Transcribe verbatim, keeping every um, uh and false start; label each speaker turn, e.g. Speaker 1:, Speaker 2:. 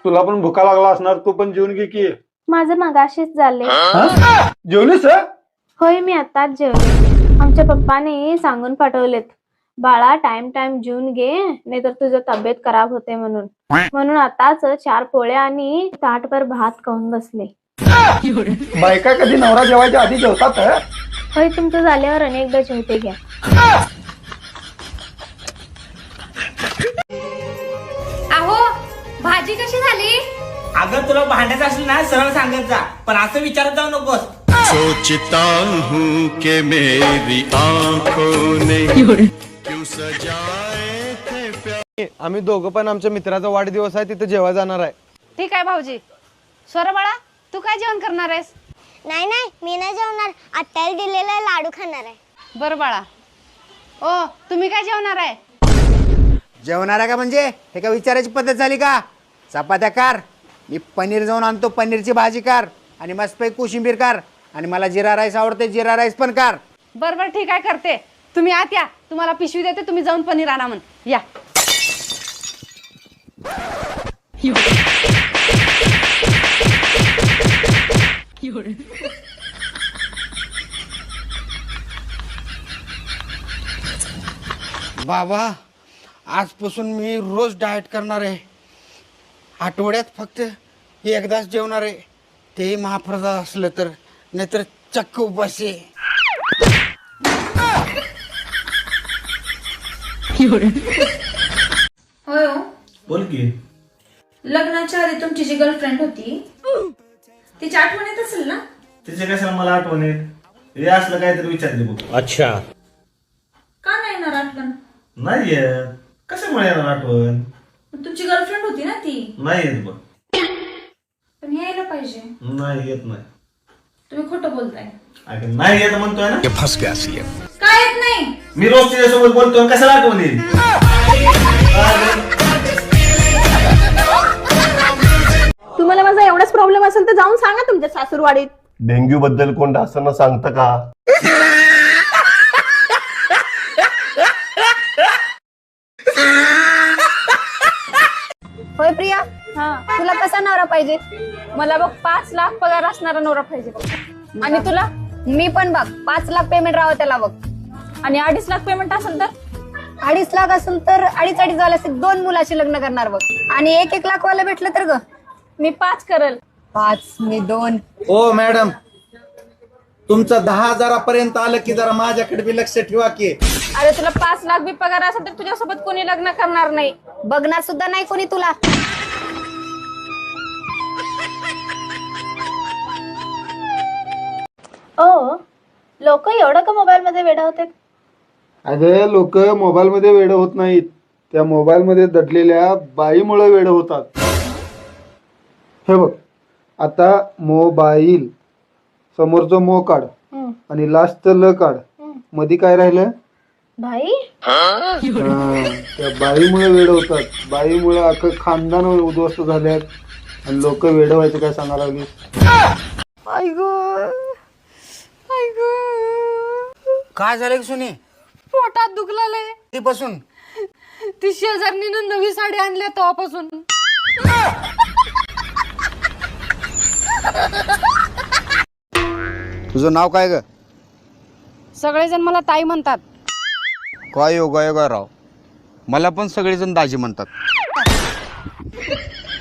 Speaker 1: तुला पण भुका लागला असणार, तू पण जेवून घे की.
Speaker 2: माझं मगाशीच झाले.
Speaker 1: जेवलीस?
Speaker 2: होय, मी आताच जेवले. आमच्या पप्पाने सांगून पाठवलेत, बाळा टाइम टाइम जेवून घे, नाहीतर तुझं तब्येत खराब होते म्हणून. म्हणून आताच चार पोळ्या आणि ताटभर भात खाऊन बसले.
Speaker 1: बायका कधी नवरा जेवायच्या आधी जेवतात?
Speaker 2: होय, तुमचं झाल्यावर अनेकदा जेवते घ्या.
Speaker 3: अहो, भाजी कशी झाली?
Speaker 4: अगं तुला भांडायचं असेल ना सरळ सांगत जा, पण असं विचारत जाऊ नकोस.
Speaker 5: सोचता हूँ कि मेरी आंखों ने क्यों सजाए थे प्यार.
Speaker 6: आम्ही दोघं पण आमच्या मित्राचा वाढदिवस आहे, तिथे जेवायला जाणार आहे.
Speaker 3: ठीक आहे भाऊजी. स्वर बाळा, तू काय जेवण करणार आहेस?
Speaker 7: नाही नाही, मी नाही जेवणार. आत्याला दिलेला लाडू खाणार आहे.
Speaker 3: बरं बाळा. ओ, तुम्ही काय जेवणार आहे?
Speaker 8: जेवणार आहे का म्हणजे हे का विचारायची पद्धत झाली का? चपात्या कार, मी पनीर जाऊन आणतो, पनीरची भाजी कार आणि मस्तपैकी कोशिंबीर कार, आणि मला जिरा राईस आवडते, जिरा राईस पण कार.
Speaker 3: बरं बरं ठीक आहे, करते. तुम्ही आत या, तुम्हाला पिशवी देते, तुम्ही जाऊन पनीर आणा म्हण. या.
Speaker 8: बाबा, आजपासून मी रोज डाएट करणार आहे. आठवड्यात फक्त एकदाच जेवणार आहे, तेही महाप्रसाद असलं तर, नाहीतर चक्क उपाशी.
Speaker 9: होय हो.
Speaker 4: बोल की.
Speaker 9: लग्नाच्या आधी तुमची जी गर्लफ्रेंड होती तिची आठवण येत असेल ना?
Speaker 4: तिचे कशाला मला आठवण येत? हे असलं काहीतरी विचारते बघ. अच्छा.
Speaker 9: का नाही येणार आठवण?
Speaker 4: नाही येत. कशामुळे येणार आठवण?
Speaker 9: तुमची गर्लफ्रेंड होती ना ती.
Speaker 4: नाही येत बघ.
Speaker 9: पण यायला पाहिजे.
Speaker 4: नाही येत नाही.
Speaker 9: तुम्ही खोटं बोलताय.
Speaker 4: अगं नाही येत म्हणतोय ना.
Speaker 5: फंस गया सीएम.
Speaker 9: काय येत नाही?
Speaker 4: मी रोज तिच्यासोबत बोलतोय, कशाला आठवण येईल?
Speaker 2: तुम्हाला माझा एवढाच प्रॉब्लेम असेल तर जाऊन सांगा तुमच्या सासूरवाडीत.
Speaker 10: डेंग्यू बद्दल कोण असताना सांगतं का?
Speaker 3: होय प्रिया, तुला कसा नवरा पाहिजे? मला बघ पाच लाख पगार असणारा नवरा पाहिजे. आणि तुला? मी पण बघ पाच लाख पेमेंट राहावं त्याला बघ. आणि अडीच लाख पेमेंट असेल तर? अडीच लाख असेल तर अडीच अडीच झाले असेल, दोन मुलाशी लग्न करणार बघ. आणि एक एक लाख वाला भेटलं तर ग मी पाच करल. पाच मी दोन.
Speaker 8: ओ मॅडम, तुमचं दहा हजारापर्यंत आलं की जरा माझ्याकडे बी लक्ष ठेवा की.
Speaker 3: अरे तुला पाच लाख बी पगार असेल तर तुझ्यासोबत कोणी लग्न करणार नाही, बघणार सुद्धा नाही कोणी तुला.
Speaker 2: ओ, लोक एवढं का मोबाईल मध्ये वेडा होते?
Speaker 1: अगं लोक मोबाईल मध्ये वेड होत नाहीत, त्या मोबाईल मध्ये दडलेल्या बाईमुळे वेड होतात. हे बघ, आता मोबाईल समोरचं मो काढ आणि लास्टचं ल काढ, मध्ये काय राहिलं?
Speaker 2: भाई,
Speaker 1: हा, त्या बाईमुळे वेड होतात. बाईमुळे अख्खं खानदान उद्ध्वस्त झाल्यात आणि लोक वेड व्हायचं काय सांगा लागली.
Speaker 8: काय झालं की सुनी?
Speaker 3: पोटात दुखलाय.
Speaker 8: ती बसून
Speaker 3: ती शेजारणीनं नवी साडी आणल्या तेव्हापासून.
Speaker 8: तुझं नाव काय ग?
Speaker 3: सगळेजण मला ताई म्हणतात.
Speaker 8: काय योगा योगा राव, मला पण सगळेजण दाजी म्हणतात.